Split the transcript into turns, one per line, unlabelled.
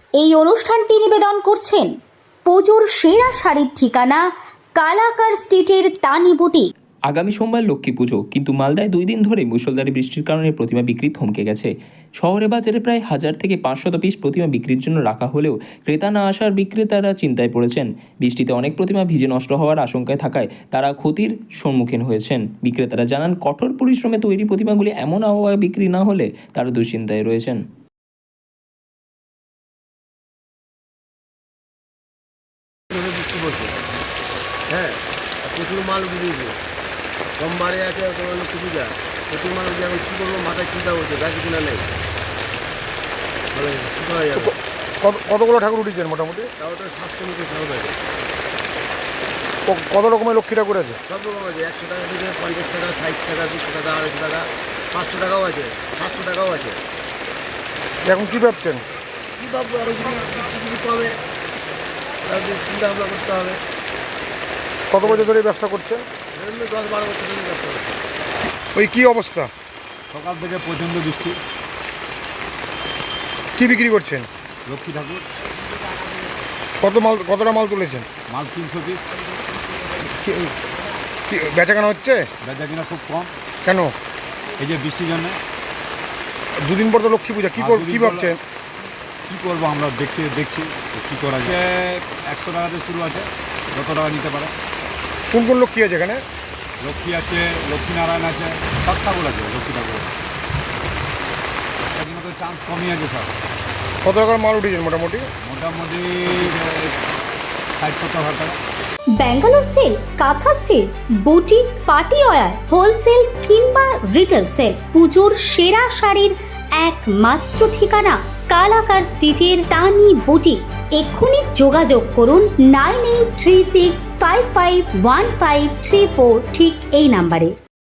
এই অনুষ্ঠানটি নিবেদন করছেন পুজোর সেরা শাড়ির ঠিকানা কালাকার স্ট্রিটের তানি বুটিক।
আগামী সোমবার লক্ষ্মী পুজো, কিন্তু মালদায় 2 দিন ধরে মুষলধারে বৃষ্টির কারণে প্রতিমা বিক্রি থমকে গেছে। শহরে বাজারে প্রায় 1000 থেকে 500 পিস প্রতিমা বিক্রির জন্য রাখা হলেও ক্রেতা না আসার বিক্রেতারা চিন্তায় পড়েছেন। বৃষ্টিতে অনেক প্রতিমা ভিজে নষ্ট হওয়ার আশঙ্কায় থাকায় তারা ক্ষতির সম্মুখীন হয়েছেন। বিক্রেতারা জানান, কঠোর পরিশ্রমে তৈরি প্রতিমাগুলি এমন আবহাওয়ায় বিক্রি না হলে তারা দুশ্চিন্তায় রয়েছেন।
হ্যাঁ, প্রচুর মাল উঠিয়েছে, সোমবারে আছে তোমার লক্ষ্মী পূজা, প্রচুর মাল উঠে এখন কী করবো মাথায় চিন্তা করছে, ব্যাগে কিনা নেই, মানে কী করা যাবে।
কতগুলো ঠাকুর উঠেছেন মোটামুটি?
তাও তো 700 মতো ঠাকুর আছে।
কত রকমের লক্ষ্মী ঠাকুর আছে?
সব রকম আছে, 100 টাকা থেকে 50 টাকা, 60 টাকা, 200 টাকা, 250 টাকা, 500 টাকাও আছে, 700 টাকাও আছে।
এখন কী ভাবছেন?
কী ভাববো, আরও কিছু দিতে হবে, তাদের চিন্তা ভাবনা করতে হবে।
কত বছর ধরে ব্যবসা করছেন?
10-12 বছর ধরে ব্যবসা করছে।
ওই কী অবস্থা?
সকাল থেকে প্রচণ্ড বৃষ্টি।
কি বিক্রি করছেন?
লক্ষ্মী ঠাকুর।
কতটা মাল তুলেছেন?
মাল 300 পিস।
বেচাকেনা হচ্ছে?
বেচা কিনা খুব কম।
কেন?
এই যে বৃষ্টির জন্য।
2 দিন পর তো লক্ষ্মী পূজা, কী ভাবছেন?
কী করবো আমরা দেখছি কী করা যায়। 100 টাকাতে শুরু আছে, যত টাকা নিতে পারে।
কোন কোন লক্ষ্মী আছে এখানে?
লক্ষ্মী আছে, লক্ষ্মীনারায়ণ আছে, সব ঠাকুর আছে লক্ষ্মী ঠাকুর। এখানে তো চান্স কমই আছে সব।
কত টাকার মাল উঠেছেন মোটামুটি?
60-70 হাজার টাকা।
Bangalore sale, kantha stitch, boutique, party wear, wholesale কিংবা রিটেল সেল, পুজোর সেরা শাড়ির একমাত্র ঠিকানা কালাকার স্ট্রিটের তানি বুটিক। এক্ষুনি যোগাযোগ করুন 9836551534, ঠিক এই নাম্বারে।